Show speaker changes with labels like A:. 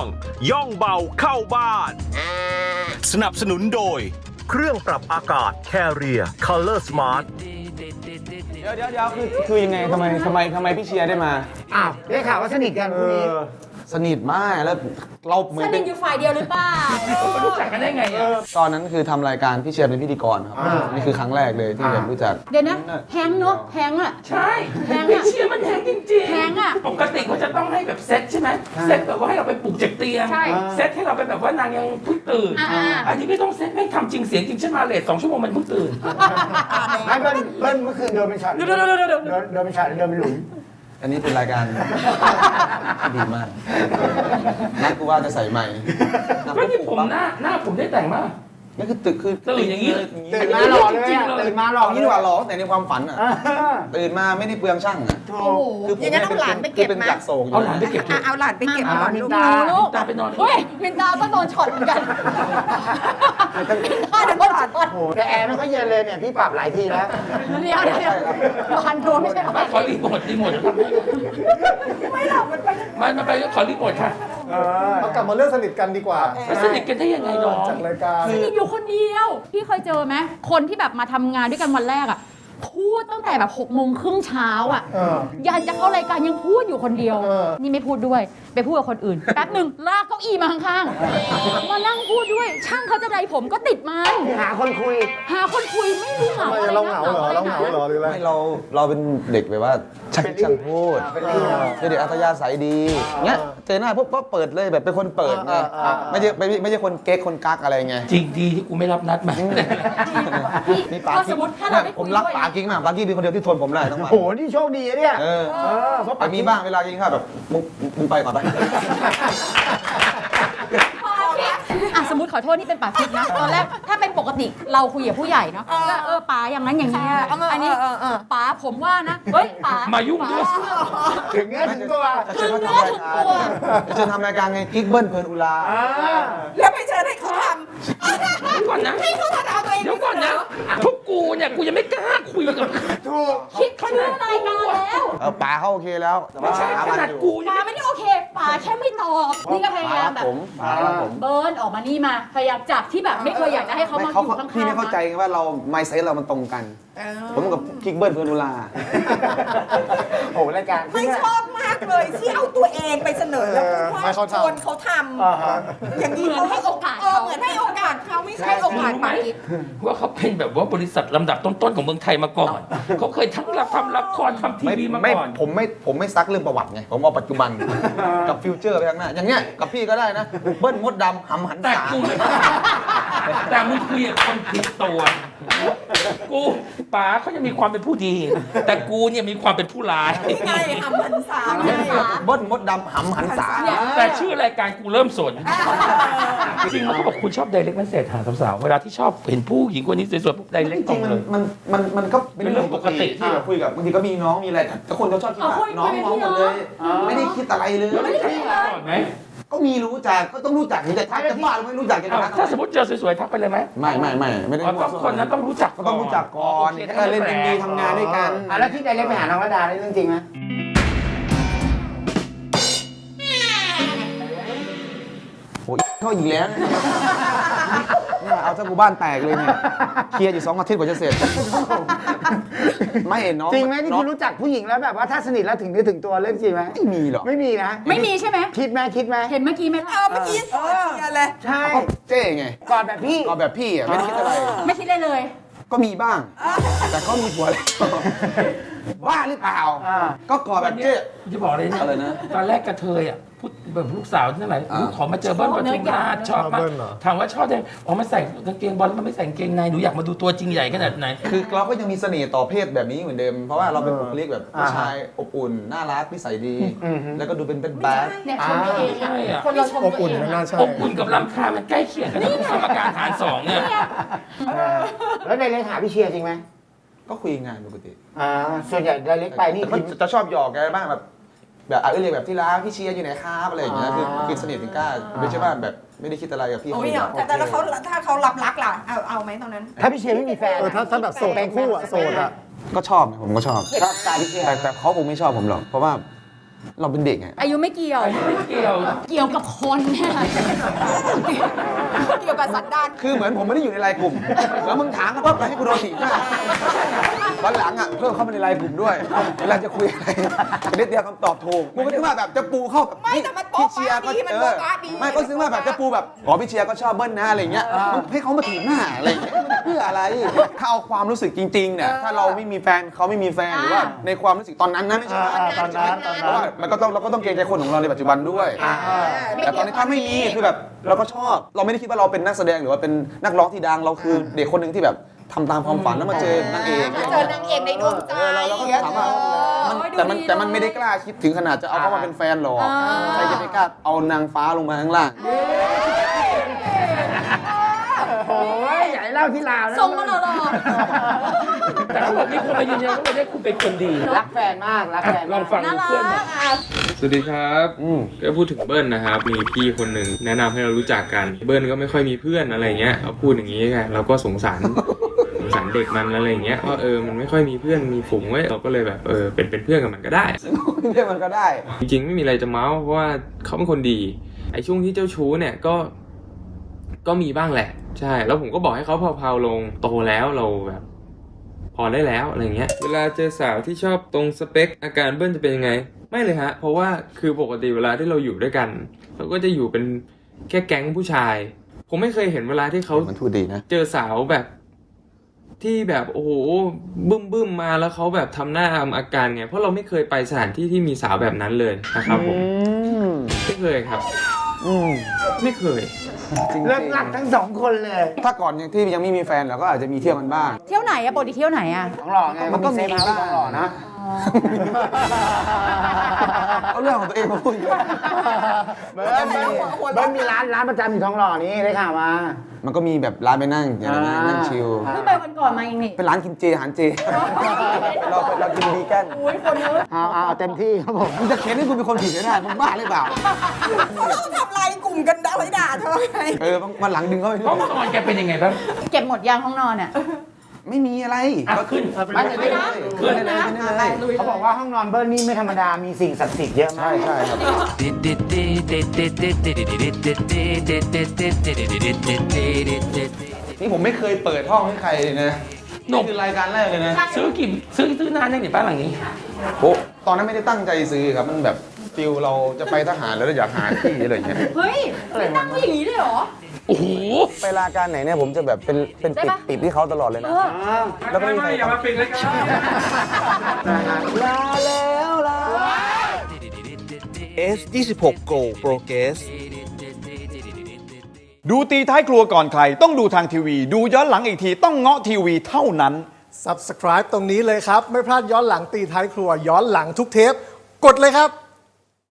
A: ย่องเบาเข้าบ้านสนับสนุนโดยเครื่องปรับอากาศ Carrier Color Smart
B: เดี๋ยวคือยังไงทำไมพี่เชียร์ได้มา
C: อ้าวได้ข่าวว่าสนิทกันคู่นี้
B: สนิทมากแล้วเราเหมือน
D: ส
B: เป็
D: นิ
B: น
D: ทอยู่ฝ่ายเดียวหรือเปล่า
E: รู้จักกันได้ไงอ่ะ
B: ตอนนั้นคือทำรายการพี่เชียร์เป็นพิธีกรครับนี่คือครั้งแรกเลยที่แบบรู้จัก
D: เดี๋ยวนะแฮงเนาะแฮงอะ
E: ใช่
D: แพงอะ
E: ไม่เชื่อมันแพงจริงๆ
D: แพงอะ
E: ปกติเขาจะต้องให้แบบเซ็ตใช่ไหมเซ็ตแบบว่าให้เราไปปลุกจากเตียง
D: ใช่
E: เซ็ตให้เราไปแบบว่านางยังเพิ่งตื่น อันนี้ไม่ต้องเซ็ตไม่ทำจริงเสียงจริงฉันมาเลท2 ชั่วโมงมันเพิ่งตื่น
C: ไม่เบิ้ลเมื่อคืนโดนเป็นช็อตโดนเป็นช็อตโดนเป็นหลุม
B: อันนี้เป็นรายการ ดีมากนัดกูว่าจะใส่ใหม่
E: ก็นี่ผมหน้าผมได้แต่งมาก
B: นี่คือตื่นอย่างนี้เลย
C: ตื่นมาหล่อเลยอะตื่นมาหล่อ
B: เอางี้ดีกว่าหล่อแต่ในความฝันอ่ะตื่นมาไม่ได้เปลืองช่างอ่ะ
C: ถู
D: โอ้
C: ก
D: โห
B: คือผม
F: อย่างนั้นเอาหลานไปเก็บ
B: เป็น
F: ไหม
B: จักรโศกอยู่
E: เอาหลานไปเก็บเถอะ
F: เอาหลานไปเก็บ
C: อ่า
F: ก่อน
C: มิน
F: ลูก
C: ตา
D: ลูก
E: ตาไปนอน
D: เฮ้ยมินตาก็โดนช็อตเหมือนกันโดนช็อต
C: โอ้โหแต่แอร์ไม่ค่อยเย็นเลยเนี่ยพี่ปรับหลายทีแล้ว
D: เดี๋ยวพันโดนไม่ใช่เหรอ
E: มาขอรีโมททำให้ไม่หรอกมันไปก็ขอรีโมทค่ะ
G: เอากลับมาเรื่องสนิทกันดีกว่า
E: มันสนิทกันได้ยังไงน้อง
G: จากรายการ
D: สนิทอยู่คนเดียว พี่เคยเจอไหมคนที่แบบมาทำงานด้วยกันวันแรกอะพูดตั้งแต่แบบ6 โมงครึ่งเช้าอะ
G: เออ
D: ยันจะเข้ารายการยังพูดอยู่คนเดียว
G: เออ
D: นี่ไม่พูดด้วย ไปพูดกับคนอื่น แป๊บหนึ่งลากเก้าอี้มาข้างๆ มานั่งพูดด้วย ช่างเขาจะใดผมก็ติดมัน
C: หาคนคุย
D: หาคนคุยไม่รู้เหงา
G: ทำไม
D: อะไร
G: เราเหงาเหรอ เราเหงาเหรอหรืออะไร
B: ไม่เราเป็นเด็กแบบว่าช่างพูด
C: เป็นลี่
B: เป็นเด็กอัธยาศัยดีเงี้ยเจอหน้าปุ๊บก็เปิดเลยแบบเป็นคนเปิดไงไม่ใช่คนเก๊กคนกักอะไรไง
E: จริงดีที่กูไม่รับนัดมา
B: มีปา
D: ถ้าส
B: กิ๊
D: ม
B: ก
D: มติถ้าเราได้
B: ผ
D: คุ
B: ม
D: ย
B: รัก
D: ด้วย
B: ปากิ๊กมากปากิ๊กเป็นคนเดียวที่ทนผมได้ทั้งวัน
C: โอ้โหนี่โชคดีอะเนี่ย
B: เออ
C: เพราะ
B: แต่มีบ้างเวลากินข้าวแบบมึงไปก่อนไป
D: อ่ะสมมติขอโทษนี่เป็นป่าคิดนะ ตอนแรกถ้าเป็นปกติเราคุยกับผู้ใหญ่เนาะก็ป๋าอย่างนั้นอย่างนี้อันนี้ป๋าผมว่านะ เฮ้ยป๋า
E: มายุ่งด้วย
C: ถึงเงี้ยถึงตัว
B: จะเชิญมาทำรายการจะเชิญทำรายการไงกิ๊กเบิ้ลเพลินอุลา
F: แล้วไปเชิญให้เขาท
E: เดี๋ยวก่อนนะ
F: ำให้เขาทำเอาตัวเอง
E: เดี๋ยวก่อนนะพวกกูเนี่ยกูยังไม่กล้าคุยกับ
C: ถูก
D: คิดชื่อรายการแล้ว
B: ป๋าเขาโอเคแล้วแต่
E: ไม่
B: ว่า
E: ใช่ขนาดกูยัง
D: ป๋า
E: ไม่
D: ไม่ได้โอเคป๋าแค่ไม่ตอบนี่ก็พยายามแบบ
B: ป๋าครับผม
D: เบิร์นออกมานี่มาพยายามจากที่แบบไม่เคยอยากจะให้เขามาอยู่ข้างๆ
B: พี่ไม่เข้าใจไงว่าเราไมซ์เซตเรามันตรงกัน ผมกับกิ๊กเบิ้ลเพลินอุลา
C: โอ้โหรายการ
F: ไม่ชอบมากเลยที่เอาตัวเองไปเสนอแล้วพูด
G: ให้
F: ว่า
G: เขาทำ
F: คนเขาท
C: อ่าฮะ
F: ำอย่างนี้
D: เหมือนให้โอกาสเขา
F: เหมือนให้โอกาสเขาไม่ใช่โอกาส
E: รู้ไหม
F: ปากิ๊ก
E: ว่าเขาเป็นแบบว่าบริษัทลำดับต้นๆของเมืองไทยมาก่อน เขาเคยทั้งทำละครทำทีวีมาก่อน
B: ผมไม่ซักเรื่องประวัติไง ผมเอาปัจจุบัน กับฟิวเจอร์ไปข้างหน้า อย่างเงี้ยกับพี่ก็ได้นะ เบิ้ลมดดำหำหัน
E: แต่
B: ษา
E: กูไม่แต่มึงคุยกับคนผิดตัวกูป๋าเขายังมีความเป็นผู้ดี แต่กูเนี่ยมีความเป็นผู้ร้าย
F: ไงทำพันษาไง
B: เบิ้ลมดดำหำหันษา
E: แต่ชื่อรายการกูเริ่มสน จริงๆแล้วเขาบอกคุณชอบไดเรกเมสเซจหาสาวๆเวลาที่ชอบเห็นผู้หญิงคนนี้สวยๆปุ๊บไดเรก
B: จ
E: ตร
B: ริ
E: ง
B: ง
E: เลย
B: ๆมันก็เป็นเรื่องปกติที่เราคุยกับบางทีก็มีน้องมีอะไรแต่คนเขาชอบคิดว่าน้องหมดเลย ไม่ได้คิดอะไรเลย
E: แล้วรู้จักกันก่อนไหม
B: ก็มีรู้จักก็ต้องรู้จักแต่ทักจะบ้าหรือไม่รู้จักกัน
E: อ้าว
B: นะ
E: ถ้าสมมติเจอสวยๆทักไปเลยไหม
B: ไม่ได้
E: อ๋อต้องคนนั้นต้องรู้จัก
B: ก็ต้องรู้จักก่อน
E: โค
B: ถ้าเล่นเอ็มวีทำงานด้วยกัน
C: แล้วที่ไดเรกไปหาน้องระดาได้เรื่องจริงไหม
B: โอ้ยเข้าอีกแล้วเนี่ยเอาซะกูบ้านแตกเลยเนี่ยเคลียร์อยู่2 อาทิตย์กว่าจะเสร็จไม่เห็นน้อง
C: จริงไหมที่
B: น้อ
C: คุณรู้จักผู้หญิงแล้วแบบว่าถ้าสนิทแล้วถึงเนื้อถึงตัวเรื่องจริงไหม
B: ไม่มีหรอก
C: ไม่มีนะ
D: ไม่มีใช่ไหม
C: คิดไหม
D: เห็นเมื่อกี้ไหมล่ะ
F: เมื่อกี้สอนเชียร์เลย
C: ใช่
B: ก็เจ๊ไง
C: กอดแบบพี่
B: ก็แบบพี่อ่ะไม่ได้คิดอะไร
D: ไม่คิดเลยเลย
B: ก็มีบ้าง แต่ก็มีผัวแล้วว่าหรือเปล่า ก็กอดแบ
E: วัน
B: บ
E: นี้
B: เจ๊
E: จะบอกเลยนะ
B: อะไรนะ
E: ตอนแรกกระเทยอ่ะพูดแบบลูกสาวที่ไหนลูกขอมาเจอเบิ้ลปทุมราชชอบมาก
G: เบิ้ลเหรอ
E: ถามว่าชอบยังอ๋อมันใส่กางเกงบอลแล้วมันไม่ใส่กางเกงในหนูอยากมาดูตัวจริงใหญ่ขนาดไหน
B: คือเราก็ยังมีเสน่ห์ต่อเพศแบบนี้เหมือนเดิม เพราะว่าเราเป็นบุคลิกแบบผู้ชายอบอุ่นน่ารักนิสัยดี แล้วก็ดูเป็นแบด
D: เนี่ยชมตัวเอง
E: ใช่อะ
D: คนเราชม
G: อบ
D: ตัว
G: อุ่น
D: เอง
G: ไม่น่าใช่
E: อบอุ่นกับลำคาญมันใกล้เคียงกันนะสมการหารสองเนี่ย
C: แล้วไดเรกหาพี่เชียร์จริงไหม
B: ก็คุยงานปกติ
C: ส่วนใหญ่ไดเรกไปนี่
B: แต่ก็จะชอบหยอกแกบ้างแบบเรียกแบบที่รักพี่เชียร์อยู่ไหนครับอะไรอย่างเงี้ยคือสนิทถึงกล้าไม่ใช่ว่าแบบไม่ได้คิดอะไรกับพี่
F: โอ้
B: เขา
F: ย
B: เลย
F: แต่แล้วเขาถ้าเขารับรักล่ะเอาไหมตอนนั้น
C: ถ้าพี่เชียร์ไม่มีแฟน
G: ถ้าแบบโสดทั้งคู่อะโสดอะ
B: ก็ชอบนะผมก็ชอบ
C: ชอบสไตล์พี่เชียร์
B: แต่เขาคงไม่ชอบผมหรอกเพราะว่าเราเป็นเด็กไง
D: อายุไม่เกี่ยว
E: ไม่เกี่ยว
D: เกี่ยวกับคนเนี่ย
F: เกี่ยวกับสันดาน
B: คือเหมือนผมไม่ได้อยู่ในไลน์กลุ่ม แล้วมึงถามกันว่าให้กูโดนถีบหน้าวันหลังอ่ะเพิ่มเข้ามาในไลน์กลุ่มด้วย เวลาจะคุยอะไรจะได้เตรียมคำตอบถูกกูก็คิดว่าแบบจะปูเข้าแบบ
F: ไม่แต่มันโป๊ะ
B: พี่เชียร์ก็
F: ดีมันโป๊ะป๊ะดี
B: ไม่ก็ซื้อว่าแบบจะปูแบบอ๋อพี่เชียร์ก็ชอบเบิ้ลนะอะไรเงี้ยให้เขามาถีบหน้าอะไรเงี้ยเพื่ออะไรถ้าเอาความรู้สึกจริงๆเนี่ยถ้าเราไม่มีแฟนเขาไม่มีแฟนหรือว่าในความรู้สึกตอนนั้นนะไม่ใช่ว่า
C: ตอนนั้น
B: เพราะว่ามันก็ต้องเราก็ต้องเกรงใจคนของเราในปัจจุบันด้วย แต่ตอนนี้ถ้าไม่มีคือแบบเราก็ชอบเราไม่ได้คิดว่าเราเป็นนักแสดงหรือว่าเป็นนักร้องที่ดังเราคือเด็กคนหนึ่งที่แบบทำตามความฝันแล้วมาเจอนางเอก
F: มาเจอนางเอกในดวงใจ
B: เราก็ถามว่าแต่มันไม่ได้กล้าคิดถึงขนาดจะเอาเขามาเป็นแฟนหรอกใครจะไปกล้าเอานางฟ้าลงมาข้างล่าง
C: โอ้ยใหญ่เล่าที่ลาวนะ
D: ทรงมันหล่อ
E: แต่เขาบอกมีคนมายืนยันว่าวันนี้คุณเป็นคนดี
C: รักแฟนมากรักแฟน
E: ลองฟัง
D: ๆน่ารั
E: เพื่อนหน่อย
D: กอ่ะ
H: สวัสดีครับก็พูดถึงเบิ้ลนะครับ มีพี่คนหนึ่งแนะนำให้เรารู้จักกัน เบิ้ลก็ไม่ค่อยมีเพื่อนอะไรเงี้ยเขาพูดอย่างนี้ไงเราก็สงสาร เด็กมันอะไรเงี้ยว่ามันไม่ค่อยมีเพื่อนมีฝูงไว้เราก็เลยแบบเป็นเพื่อนกับมันก็ได้
B: เรียกมันก็ได้
H: จริงๆไม่มีอะไรจะเมาส์เพราะว่าเขาเป็นคนดีไอ้ช่วงที่เจ้าชู้เนี่ยก็มีบ้างแหละใช่แล้วผมก็บอกให้เขาเผาๆลงโตแล้วเราแบบพอได้แล้วอะไรเงี้ยเวลาเจอสาวที่ชอบตรงสเปคอาการเบิ้ลจะเป็นยังไงไม่เลยฮะเพราะว่าคือปกติเวลาที่เราอยู่ด้วยกันเราก็จะอยู่เป็นแค่แก๊งผู้ชายผมไม่เคยเห็นเวลาที่เขา
B: มันพูดดีนะ
H: เจอสาวแบบที่แบบโอ้โหบึ้มมาแล้วเขาแบบทำหน้าทำอาการไงเพราะเราไม่เคยไปสถานที่ที่มีสาวแบบนั้นเลยนะครับผมไม่เคยครับไม่เคย
B: จริงๆ
C: เลิกรักทั้งสองคนเลย
B: ถ้าก่อนที่ยังไม่มีแฟนเราก็อาจจะมีเที่ยวกันบ้าง
D: เที่ยวไหนอะปกติเที่ยวไหนอะ
C: ของหล่อไง
B: มันก็มี
C: เซฟเฮาส์ของหล่อนะ
B: เอาเรื่องของตัวเองมาพูดเยอะ
C: เบิ้ลมีร้านประจำอยู่ทองหล่อนี้ได้ข่าวมา
B: มันก็มีแบบร้านไปนั่งอย่างนั้นนะนั่งชิล
D: เพิ่งไปวันก่อนมาเองนี่
B: เป็นร้านกินเจอาหารเจเรากินวีแกน
D: โอ้ยคนเยอะ
C: เอาเต็มที่ครับผม
B: มึงจะเค้นให้กูเป็นคนผิดไม่ได้มึงบ้าหรือเปล่า
F: ต้องทำลายกลุ่มกันด่าไว้ด่าเธอไง
B: วันหลังดึงเข้าไป
E: ห้องนอนแกเป็นยังไงบ้าง
D: เก็บหมดยางห้องนอนอะ
B: ไม่มีอะไร
E: อ่ะขึ้น
B: ไม่เลยขึ้นเลยขึ้นเลย
C: เขาบอกว่าห้องนอนเบิ้ลนี่ไม่ธรรมดา มีสิ่งศักดิ์สิทธิ์เยอะมาก
B: ใช่ครับนี่ผมไม่เคยเปิดห้องให้ใครเลยนะ
E: หนุ่
B: นี่
E: ม
B: คือรายการแรกเลยนะ
E: ซื้อนานยังเนี่ยบ้านหลังนี้
B: โอ้ตอนนั้นไม่ได้ตั้งใจซื้อครับมันแบบฟิลเราจะไปทหารแล้วเราอยากหาที่อะไรอย่างเงี้ย
D: เฮ้ยนั่งไว้อย่างนี้เลยเหรอ
E: โอ้โห
B: ไปรายการไหนเนี่ยผมจะแบบเป็น
D: ได้ปะ
B: ติดที่เขาตลอดเลยนะ แล้วก็ไม่มีใคร
E: อย่ามาปิดเลยครับ
B: ลาแล้วลา
A: S26 Go Progress
I: ดูตีท้ายครัวก่อนใครต้องดูทางทีวี ดูย้อนหลังอีกทีต้องเงาะทีวีเท่านั้น
G: Subscribe ตรงนี้เลยครับ ไม่พลาดย้อนหลังตีท้ายครัวย้อนหลังทุกเทป กดเลยครับ